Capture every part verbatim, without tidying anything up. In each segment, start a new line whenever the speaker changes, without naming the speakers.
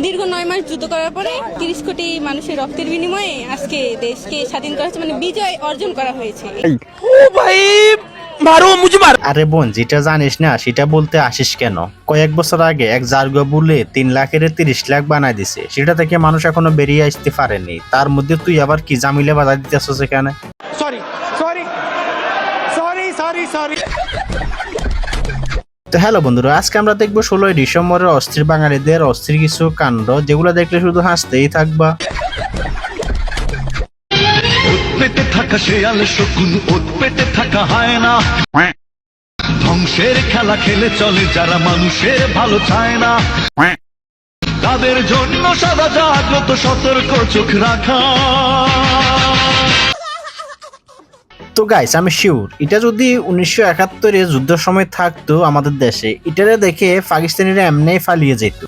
দীর্ঘ নয় মাস যুদ্ধ করার পরে তিরিশ কোটি মানুষের রক্তের বিনিময়ে আজকে দেশকে স্বাধীন করা হয়েছে, মানে বিজয় অর্জন করা হয়েছে।
আরে বোন, যেটা জানিস না সেটা বলতে আসিস কেন? কয়েক বছর আগে এক জার্গো বলে তিন লাখের তিরিশ লাখ বানায় দিছে, সেটা থেকে মানুষ এখনো বেরিয়ে আসতে পারেনি। তার মধ্যে তুই আবার কি জামিলে বাধা দিতেছিস এখানে?
Sorry sorry sorry sorry sorry
তো হ্যালো বন্ধুরা, আজকে আমরা দেখবো ষোলোই ডিসেম্বরের অস্থির বাঙালিদের অস্থির কিছু কাণ্ড, যেগুলো দেখলে শুধু হাসতেই থাকবা।
পেটে থাকা শেয়াল শকুন, ওত পেটে থাকা হয় না। ধ্বংসের খেলা খেলে চলে যারা মানুষের ভালো চায় না, তাদের জন্য সদা জাগ্রত সতর্ক চোখ রাখা।
তো গাইস, আমি শিওর এটা যদি উনিশশো একাত্তরে যুদ্ধের সময় থাকতো আমাদের দেশে, এটারে দেখে পাকিস্তানিরা এমনি পালিয়ে যেত।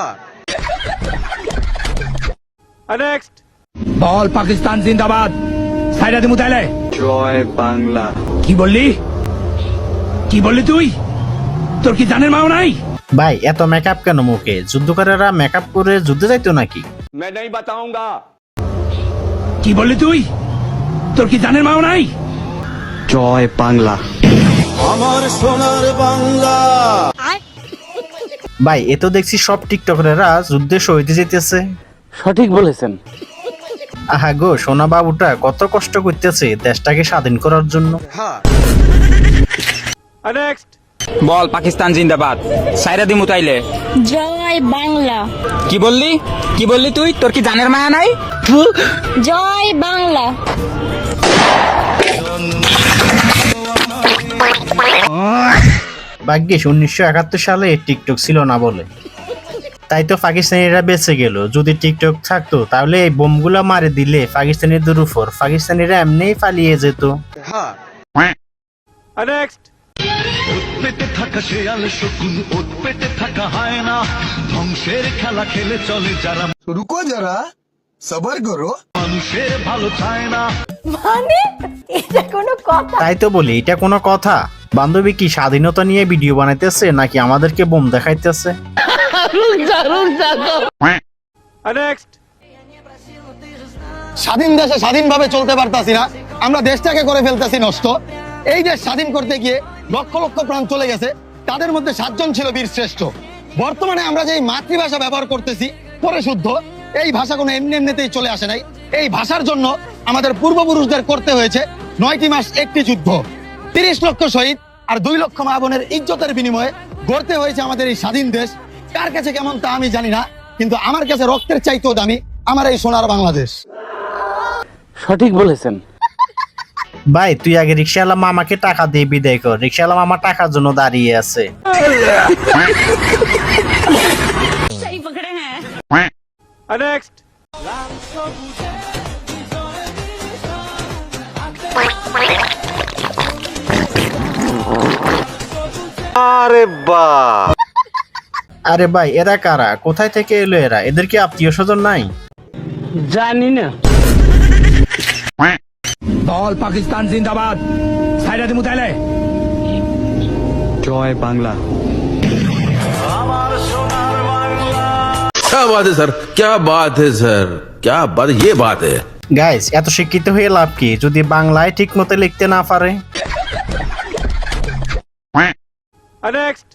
নেক্সট
বল পাকিস্তান জিন্দাবাদ। সাইরাদি মুতাইলে
জয় বাংলা।
কি বললি? কি বললি তুই? তোর কি জানের মাও নাই?
ভাই এত মেকআপ কেন মুখে? যুদ্ধকারেরা মেকআপ করে যুদ্ধে যাইতো নাকি?
मैं नहीं बताऊंगा।
কি বললি তুই? তোর কি জানের মাও নাই?
জয় বাংলা। আমার সোনার বাংলা।
ভাই এ তো দেখছি সব টিকটকাররা যুদ্ধে শহীদ যেতেছে।
সঠিক বলেছেন।
আহা গো, সোনা বাবুটা কত কষ্ট করতেছে দেশটাকে স্বাধীন করার জন্য।
নেক্সট
বল পাকিস্তান জিন্দাবাদ। সাইরাদি মুতাইলে
জয় বাংলা।
কি বললি? কি বললি তুই? তোর কি জানের মায়া নাই?
জয় বাংলা।
ভাগ্যিস উনিশশো একাত্তর সালে টিকটক ছিল না বলে, তাই তো পাকিস্তানিরা বেঁচে গেল। যদি টিকটক থাকতো তাহলে এই বোমগুলা মারে দিলে পাকিস্তানিদের উপর, পাকিস্তানিরা এমনিই পালিয়ে যেত।
নেক্সট
পেটে থাকা শেয়াল শকুন, ওত পেটে থাকা হয় না। ধ্বংসের খেলা খেলে চলে যারা
रुको जरा सबर करो।
মানুষের ভালো চায় না।
মানে এটা কোনো কথা?
তাই তো বলি, এটা কোনো কথা? বান্ধবী কি স্বাধীনতা নিয়ে ভিডিও বানাইতেছে নাকি আমাদেরকে বোম দেখাইতেছে?
নেক্সট
স্বাধীন দেশে স্বাধীনভাবে চলতে পারতাছি না, আমরা দেশটাকে করে ফেলতেছি নষ্ট। এই দেশ স্বাধীন করতে গিয়ে লক্ষ লক্ষ প্রাণ চলে গেছে, তাদের মধ্যে সাতজন ছিল বীর শ্রেষ্ঠ। বর্তমানে আমরা যে মাতৃভাষা ব্যবহার করতেছি পরে শুদ্ধ, এই ভাষা কোনো এমনি এমনিতেই চলে আসে নাই। এই ভাষার জন্য আমাদের পূর্বপুরুষদের করতে হয়েছে নয়টি মাস একটি যুদ্ধ, তিরিশ লক্ষ শহীদ আর দুই লক্ষ মা বোনের ইজ্জতের বিনিময়ে গড়তে হয়েছে আমাদের এই স্বাধীন দেশ। কার কাছে কেমন তা আমি জানি না, কিন্তু আমার কাছে রক্তের চাইতেও দামি আমার এই সোনার বাংলাদেশ।
সঠিক বলেছেন।
ভাই তুই আগে রিক্সাওয়ালা মামাকে টাকা দিয়ে বিদায় কর, রিক্সাওয়ালা মামা টাকার জন্য দাঁড়িয়ে আছে।
সহি পকড়ে হ্যাঁ।
নেক্সট
আরে বাহ,
আরে ভাই এরা কারা? কোথায় থেকে এলো এরা? এদের কি আত্মীয় স্বজন নাই?
জানি না।
বল পাকিস্তান জিন্দাবাদ। সাইরাদি মুতাইলে
জয় বাংলা।
क्या बात है सर, क्या बात है सर, क्या बात, ये बात है।
গাইস এত শিক্ষিত হয়ে লাভ কি যদি বাংলায় ঠিক মতো লিখতে না পারে?
নেক্সট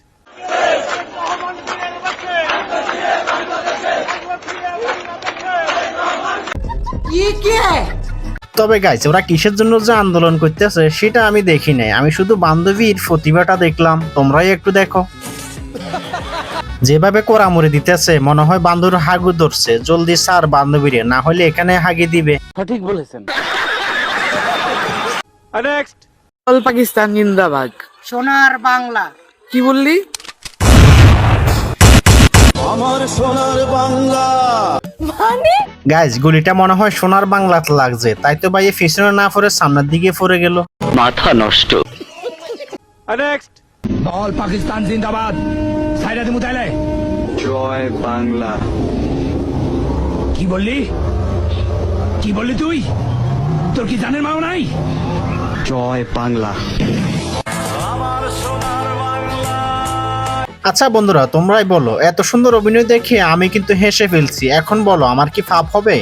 তবে গাইস ওরা কিসের জন্য যে আন্দোলন করতেছে সেটা আমি দেখি নাই, আমি শুধু বান্ধবীর প্রতিভাটা দেখলাম। তোমরাই একটু দেখো, যেভাবে কোরামুড়ি দিতেছে মনে হয় বান্ধবীর হাগু ধরছে। জলদি স্যার বান্ধবীরে, না হলে এখানে হাগি দিবে।
সঠিক বলেছেন।
নেক্সট
বল পাকিস্তান জিন্দাবাদ।
সোনার বাংলা।
কি বললি?
আমার সোনার বাংলা।
মানে
গাইস গুলিটা মনে হয় সোনার বাংলাতে লাগছে, তাই তো ভাই পিছনে না পড়ে সামনের দিকে পড়ে গেল।
মাথা নষ্ট।
নেক্সট
বল পাকিস্তান জিন্দাবাদ। সাইরাদি মুতাইলে
জয় বাংলা।
কি বললি? কি বললি তুই? তোর কি জানের মাও নাই?
জয় বাংলা।
আচ্ছা বন্ধুরা, তোমরাই বলো, এত সুন্দর অভিনয় দেখে আমি কিন্তু হেসে ফেলছি, এখন বলো আমার কি পাপ হবে?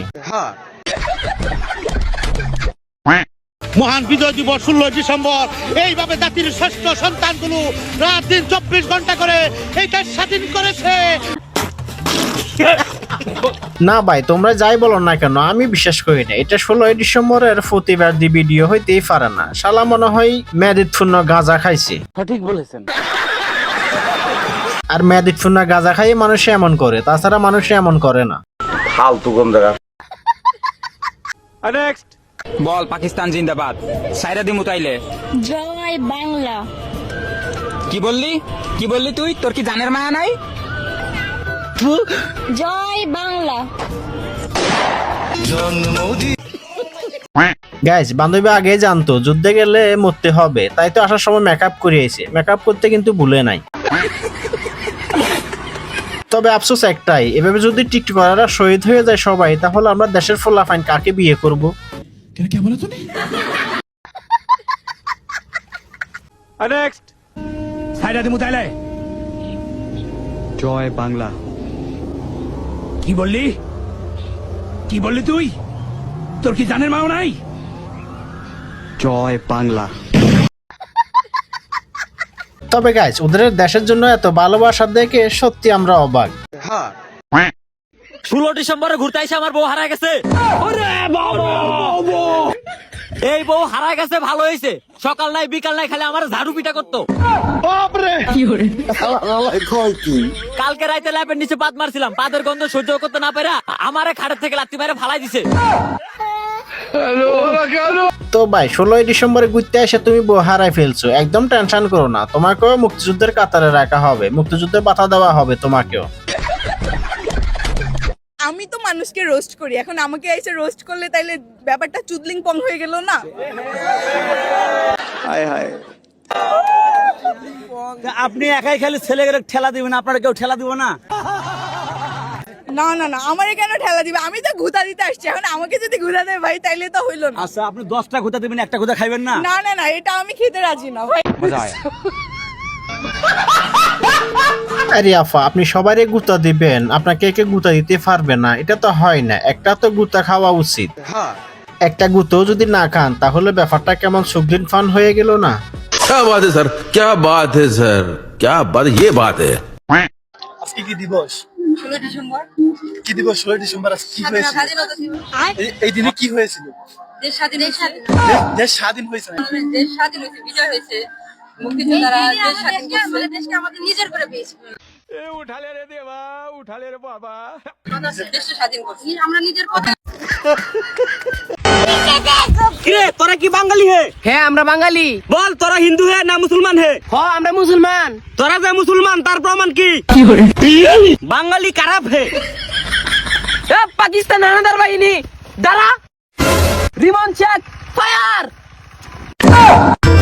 মহান বিজয় দিবস ষোলোই ডিসেম্বর এইভাবে জাতির শ্রেষ্ঠ সন্তানগুলো রাত দিন চব্বিশ ঘন্টা করে এই দেশ স্বাধীন করেছে।
না ভাই, তোমরা যাই বলো না কেন আমি বিশ্বাস করি না, এটা ষোলোই ডিসেম্বরের প্রতিবাদী ভিডিও হইতেই পারে না। শালা মনে হয় মেয়াদিতপূর্ণ গাঁজা খাইছে।
সঠিক বলেছেন।
আর মেয়াদিতপূর্ণ গাঁজা খাইয়ে মানুষ এমন করে, তাছাড়া মানুষ এমন করে না।
ফালতু কম দেখা।
नेक्स्ट
বল পাকিস্তান জিন্দাবাদ, সাইরা দিমু তাইলে।
জয় বাংলা।
কি বললি কি বললি তুই? তোর কি জানের মায়া নাই?
জয় বাংলা।
গাইস, বান্ধবী আগে জানতো যুদ্ধে গেলে মরতে হবে, তাই তো আসার সময় মেকআপ করিয়েছে। মেকআপ করতে কিন্তু ভুলে নাই। তবে আফসোস একটাই, এভাবে যদি টিকটকাররা শহীদ হয়ে যায় সবাই, তাহলে আমরা দেশের ফলাফাইন কাকে বিয়ে করব?
नेक्स्ट
সাইরা দিমু তাইলে।
জয় বাংলা।
কি বললি কি বললি তুই? তোর কি জানের মাও নাই?
জয় বাংলা।
তবে গাইস, ওদের দেশের জন্য এত ভালোবাসা দেখে সত্যি আমরা অবাক।
ষোলো ডিসেম্বরে ঘুরতে এসে আমার বউ হারা গেছে। এই বউ হারা গেছে ভালো হয়েছে, সকাল নাই বিকাল নাই খালি আমার ঝাড়ু পিটা করতো। কালকে রাইতে ল্যাপের নিচে পাত মারছিলাম, পাদের গন্ধ সহ্য করতে না পেরে আমারে খাটের থেকে লাত্তি মেরে ফালাই দিছে।
তো ভাই, ষোলোই ডিসেম্বরে ঘুরতে এসে তুমি বউ হারাই ফেলছো, একদম টেনশন করো না, তোমাকেও মুক্তিযুদ্ধের কাতারে রাখা হবে, মুক্তিযুদ্ধে বাধা দেওয়া হবে তোমাকেও।
আমি তো মানুষকে রোস্ট করি, এখন আমাকে এসে রোস্ট করলে তাইলে ব্যাপারটা চুদলিং পং হয়ে গেল না?
আপনি একাই খালি ছেলেকে ঠেলা দিবেন, আপনারা কেউ ঠেলা দিব না?
না না না, আমারে কেন ঠেলা দিবে? আমি তো ঘুতা দিতে আসছি, এখন আমাকে যদি ঘুতা দেয় ভাই তাইলে তো হইলো না।
আচ্ছা, আপনি দশটা ঘুতা দিবেন, একটা ঘুতা খাইবেন না?
না না না, এটা আমি খেতে রাজি না ভাই।
আরে আফা, আপনি সবারই গুতা দিবেন, আপনাকে কে গুতা দিতে পারবে না? এটা তো হয় না, একটা তো গুতা খাওয়া উচিত। একটা গুতো যদি না খান তাহলে ব্যাপারটা কেমন সুগদিন ফান হয়ে গেল না?
क्या बात है सर, क्या बात है सर, क्या बात, ये बात है।
আজকে কি দিবস?
ষোলোই ডিসেম্বর
কি দিবস? ষোলোই ডিসেম্বর আজকে কি হয়েছিল? এই- এই দিনে কি হয়েছিল?
দেশ স্বাধীন হয়েছে।
দেশ স্বাধীন হয়েছে না?
দেশ স্বাধীন হয়েছে, বিজয় হয়েছে, মুক্তিযোদ্ধারা দেশ স্বাধীন করছে, দেশকে আমাদের নিজের করে পেয়েছি।
ए उठा ले रे देवा, उठा ले रे बाबा।
দেশ স্বাধীন করছি আমরা নিজের কথা।
কিরে, তোরা কি বাঙালি হে?
হ্যাঁ, আমরা বাঙালি।
বল, তোরা হিন্দু হে না মুসলমান হে?
হ, আমরা মুসলমান।
তোরা যে মুসলমান তার প্রমাণ কি? বাঙালি খারাপ হে।
এ, পাকিস্তান হানাদার বাহিনী, দাঁড়া। Rimon check, fire.